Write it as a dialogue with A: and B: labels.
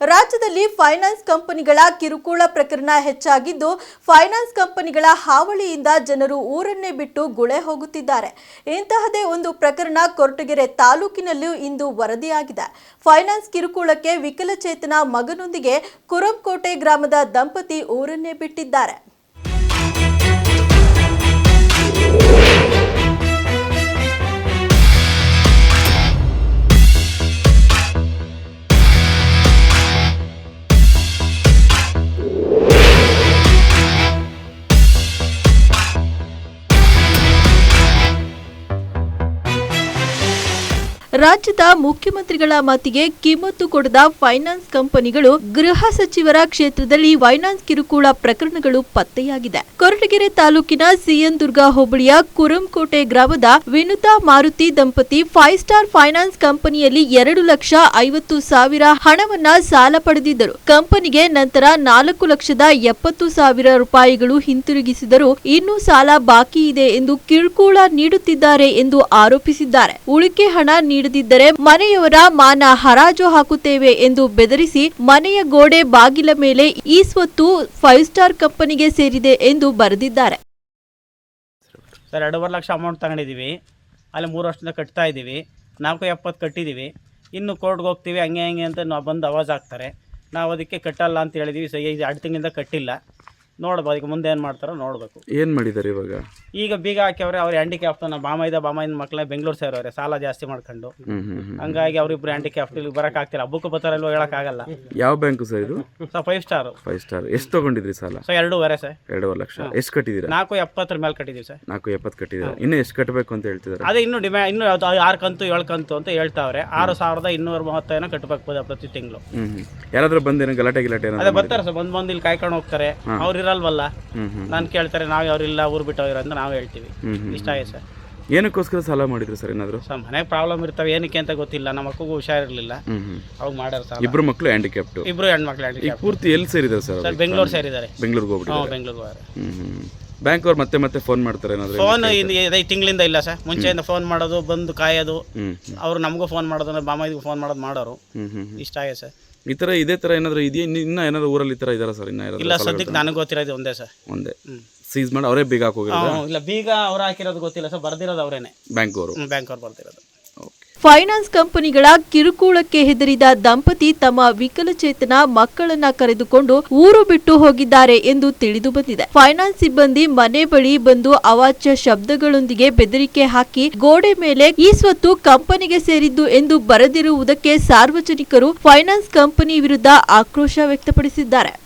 A: ರಾಜ್ಯದಲ್ಲಿ ಫೈನಾನ್ಸ್ ಕಂಪನಿಗಳ ಕಿರುಕುಳ ಪ್ರಕರಣ ಹೆಚ್ಚಾಗಿದ್ದು, ಫೈನಾನ್ಸ್ ಕಂಪನಿಗಳ ಹಾವಳಿಯಿಂದ ಜನರು ಊರನ್ನೇ ಬಿಟ್ಟು ಗುಳೆ ಹೋಗುತ್ತಿದ್ದಾರೆ. ಇಂತಹದೇ ಒಂದು ಪ್ರಕರಣ ಕೊರಟಗೆರೆ ತಾಲೂಕಿನಲ್ಲೂ ಇಂದು ವರದಿಯಾಗಿದೆ. ಫೈನಾನ್ಸ್ ಕಿರುಕುಳಕ್ಕೆ ವಿಕಲಚೇತನ ಮಗನೊಂದಿಗೆ ಕುರಂಕೋಟೆ ಗ್ರಾಮದ ದಂಪತಿ ಊರನ್ನೇ ಬಿಟ್ಟಿದ್ದಾರೆ. ರಾಜ್ಯದ ಮುಖ್ಯಮಂತ್ರಿಗಳ ಮಾತಿಗೆ ಕಿಮ್ಮತ್ತು ಕೊಡದ ಫೈನಾನ್ಸ್ ಕಂಪನಿಗಳು ಗೃಹ ಸಚಿವರ ಕ್ಷೇತ್ರದಲ್ಲಿ ಫೈನಾನ್ಸ್ ಕಿರುಕುಳ ಪ್ರಕರಣಗಳು ಪತ್ತೆಯಾಗಿದೆ. ಕೊರಟಗೆರೆ ತಾಲೂಕಿನ ಸಿಎನ್ ದುರ್ಗ ಹೋಬಳಿಯ ಕುರಂಕೋಟೆ ಗ್ರಾಮದ ವಿನುತಾ ಮಾರುತಿ ದಂಪತಿ 5 ಸ್ಟಾರ್ ಫೈನಾನ್ಸ್ ಕಂಪನಿಯಲ್ಲಿ 2,50,000 ಹಣವನ್ನ ಸಾಲ ಪಡೆದಿದ್ದರು. ಕಂಪನಿಗೆ ನಂತರ 4,70,000 ರೂಪಾಯಿಗಳು ಹಿಂತಿರುಗಿಸಿದರೂ ಇನ್ನೂ ಸಾಲ ಬಾಕಿ ಇದೆ ಎಂದು ಕಿರುಕುಳ ನೀಡುತ್ತಿದ್ದಾರೆ ಎಂದು ಆರೋಪಿಸಿದ್ದಾರೆ. ಉಳಿಕೆ ಹಣ ನೀಡದಿದ್ದರೆ ಮನೆಯವರ ಮಾನ ಹರಾಜು ಹಾಕುತ್ತೇವೆ ಎಂದು ಬೆದರಿಸಿ ಮನೆಯ ಗೋಡೆ ಬಾಗಿಲ ಮೇಲೆ ಈ ಸ್ವತ್ತು 5 ಸ್ಟಾರ್ ಕಂಪನಿಗೆ ಸೇರಿದೆ ಎಂದು ಬರೆದಿದ್ದಾರೆ.
B: ಸರ್ 2.5 ಲಕ್ಷ ಅಮೌಂಟ್ ತಗೊಂಡಿದ್ದೀವಿ. ಅಲ್ಲಿ 3 ವರ್ಷದಿಂದ ಕಟ್ತಾ ಇದ್ದೀವಿ. 470 ಕಟ್ಟಿದ್ದೀವಿ. ಇನ್ನು ಕೋರ್ಟ್ಗೆ ಹೋಗ್ತೀವಿ ಹಂಗೆ ಅಂತ ನಾವು ಬಂದು ಅವಾಜ್ ಹಾಕ್ತಾರೆ. ನಾವು ಅದಕ್ಕೆ ಕಟ್ಟಲ್ಲ ಅಂತ ಹೇಳಿದ್ದೀವಿ. ಸೊ ಈಗ 2 ತಿಂಗಳಿಂದ ಕಟ್ಟಿಲ್ಲ. ನೋಡ್ಬೋದು ಈಗ ಮುಂದೆ ಏನು ಮಾಡ್ತಾರೋ ನೋಡಬೇಕು.
C: ಏನು ಮಾಡಿದ್ದಾರೆ ಇವಾಗ?
B: ಈಗ ಬೀಗ ಹಾಕ್ಯವ್ರೆ. ಅವ್ರು ಹ್ಯಾಂಡಿಕ್ಯಾಫ್ಟ್ ಬಾಮಾಯಿನ ಮಕ್ಕಳೇ ಬೆಂಗಳೂರು ಸೇರೋರೆ ಸಾಲ ಜಾಸ್ತಿ ಮಾಡ್ಕೊಂಡು. ಹಂಗಾಗಿ ಅವ್ರಿಬ್ರು ಹ್ಯಾಂಡಿಕ್ಯಾಫ್ಟ್ ಇಲ್ಲಿ ಬರೋಕ್ಕಾಗ್ತಿಲ್ಲ. ಹಬ್ಬಕ್ಕೂ ಬರ್ತಾರಲ್ವ ಹೇಳೋಕ್ಕಾಗಲ್ಲ.
C: ಯಾವ ಬ್ಯಾಂಕು ಸರ್ ಇದು?
B: Sir 5 star.
C: 5 ಸ್ಟಾರ್. ಎಷ್ಟು ತೊಗೊಂಡಿದ್ರಿ ಸಾಲ?
B: Sir 2.5 sir.
C: 2.5 ಲಕ್ಷ. ಎಷ್ಟು ಕಟ್ಟಿದ್ದೀರಾ?
B: 470 ಮೇಲೆ ಕಟ್ಟಿದ್ದೀವಿ ಸರ್.
C: 470 ಕಟ್ಟಿದ್ದೀರಾ. ಇನ್ನೂ ಎಷ್ಟು ಕಟ್ಟಬೇಕು ಅಂತ ಹೇಳ್ತಿದ್ದಾರೆ?
B: ಅದೇ ಇನ್ನೂ ಇನ್ನೂ 6 ಕಂತು 7 ಕಂತು ಅಂತ ಹೇಳ್ತಾವ್ರೆ. 6,230 ಕಟ್ಟಬೇಕು ಪ್ರತಿ ತಿಂಗಳು.
C: ಯಾರಾದ್ರೂ ಬಂದೇನೋ ಗಲಾಟೆ
B: ಅದೇ ಬರ್ತಾರೆ ಸರ್. ಬಂದು ಇಲ್ಲಿ ಕಾಯ್ಕೊಂಡು ಹೋಗ್ತಾರೆ. ಅವ್ರು ಇರಲ್ವಲ್ಲ, ನಾನು ಕೇಳ್ತಾರೆ. ನಾವೇ ಅವ್ರಿಲ್ಲ ಊರು ಬಿಟ್ಟು ಅವ್ರ ಅಂತ ನಾವು ಹೇಳ್ತೀವಿ. ಇಷ್ಟ ಆಗಿದೆ ಸರ್.
C: ಏನಕ್ಕೋಸ್ಕರ ಸಾಲ ಮಾಡಿದ್ರು ಸರ್? ಏನಾದ್ರು
B: ಸರ್ ಮನೆಗೆ ಪ್ರಾಬ್ಲಮ್ ಇರ್ತವೆ. ಏನಕ್ಕೆ ಅಂತ ಗೊತ್ತಿಲ್ಲ. ನಮ್ಮ ಮಕ್ಕಳಿಗೂ ಹುಷಾರಿರಲಿಲ್ಲ. ಅವಾಗ ಮಾಡ್ಯಾರ ಸರ್.
C: ಇಬ್ರು ಮಕ್ಕಳು ಹ್ಯಾಂಡಿಕ್ಯಾಪ್ಟ್.
B: ಇಬ್ರು ಹೆಣ್ಮಕ್ಳು ಹ್ಯಾಂಡಿಕ್ಯಾಪ್ಟ್.
C: ಪೂರ್ತಿ ಎಲ್ಲಿ ಸೇರಿದ್ದಾರೆ ಸರ್?
B: ಸರ್ ಬೆಂಗಳೂರು ಸೇರಿದ್ದಾರೆ.
C: ಬೆಂಗಳೂರಿಗೆ ಹೋಗ್ಬಿಟ್ಟು
B: ಬೆಂಗಳೂರಿಗೆ ಹೋಗ್ತಾರೆ.
C: ಬ್ಯಾಂಕ್ ಅವ್ರು ಮತ್ತೆ ಫೋನ್ ಮಾಡ್ತಾರೆ ಏನಾದ್ರು?
B: ಫೋನ್ 5 ತಿಂಗಳಿಂದ ಇಲ್ಲ ಸರ್. ಮುಂಚೆಯಿಂದ ಫೋನ್ ಮಾಡೋದು, ಬಂದು ಕಾಯೋದು. ಅವ್ರು ನಮಗೂ ಫೋನ್ ಮಾಡೋದು, ಬಾಮಾಯಿಗೂ ಫೋನ್ ಮಾಡೋರು. ಇಷ್ಟ ಆಗಿದೆ ಸರ್.
C: ಈ ತರ ಇದೇ ತರ ಏನಾದ್ರು ಇದೆಯಾ? ಇನ್ನ ಏನಾದ್ರು ಊರಲ್ಲಿ ಈ ತರ ಇದಾರ ಸರ್?
B: ಇಲ್ಲ ಸದ್ಯಕ್ಕೆ ನನಗೆ ಗೊತ್ತಿರೋದು ಒಂದೇ ಸರ್.
C: ಒಂದೇ ಸೀಸ್ ಮಾಡಿ ಅವರೇ ಬೀಗ ಹಾಕೋಗಿರೋದು?
B: ಇಲ್ಲ, ಬೀಗ ಅವ್ರು ಹಾಕಿರೋದು ಗೊತ್ತಿಲ್ಲ ಸರ್. ಬರ್ದಿರೋದು ಅವರೇನೆ, ಬ್ಯಾಂಕ್ ಅವ್ರು ಬರ್ದಿರೋದು.
A: ಫೈನಾನ್ಸ್ ಕಂಪನಿಗಳ ಕಿರುಕುಳಕ್ಕೆ ಹೆದರಿದ ದಂಪತಿ ತಮ್ಮ ವಿಕಲಚೇತನ ಮಕ್ಕಳನ್ನ ಕರೆದುಕೊಂಡು ಊರು ಬಿಟ್ಟು ಹೋಗಿದ್ದಾರೆ ಎಂದು ತಿಳಿದು ಬಂದಿದೆ. ಫೈನಾನ್ಸ್ ಸಿಬ್ಬಂದಿ ಮನೆ ಬಳಿ ಬಂದು ಅವಾಚ್ಯ ಶಬ್ದಗಳೊಂದಿಗೆ ಬೆದರಿಕೆ ಹಾಕಿ ಗೋಡೆ ಮೇಲೆ ಈ ಸ್ವತ್ತು ಕಂಪನಿಗೆ ಸೇರಿದ್ದು ಎಂದು ಬರೆದಿರುವುದಕ್ಕೆ ಸಾರ್ವಜನಿಕರು ಫೈನಾನ್ಸ್ ಕಂಪನಿ ವಿರುದ್ಧ ಆಕ್ರೋಶ ವ್ಯಕ್ತಪಡಿಸಿದ್ದಾರೆ.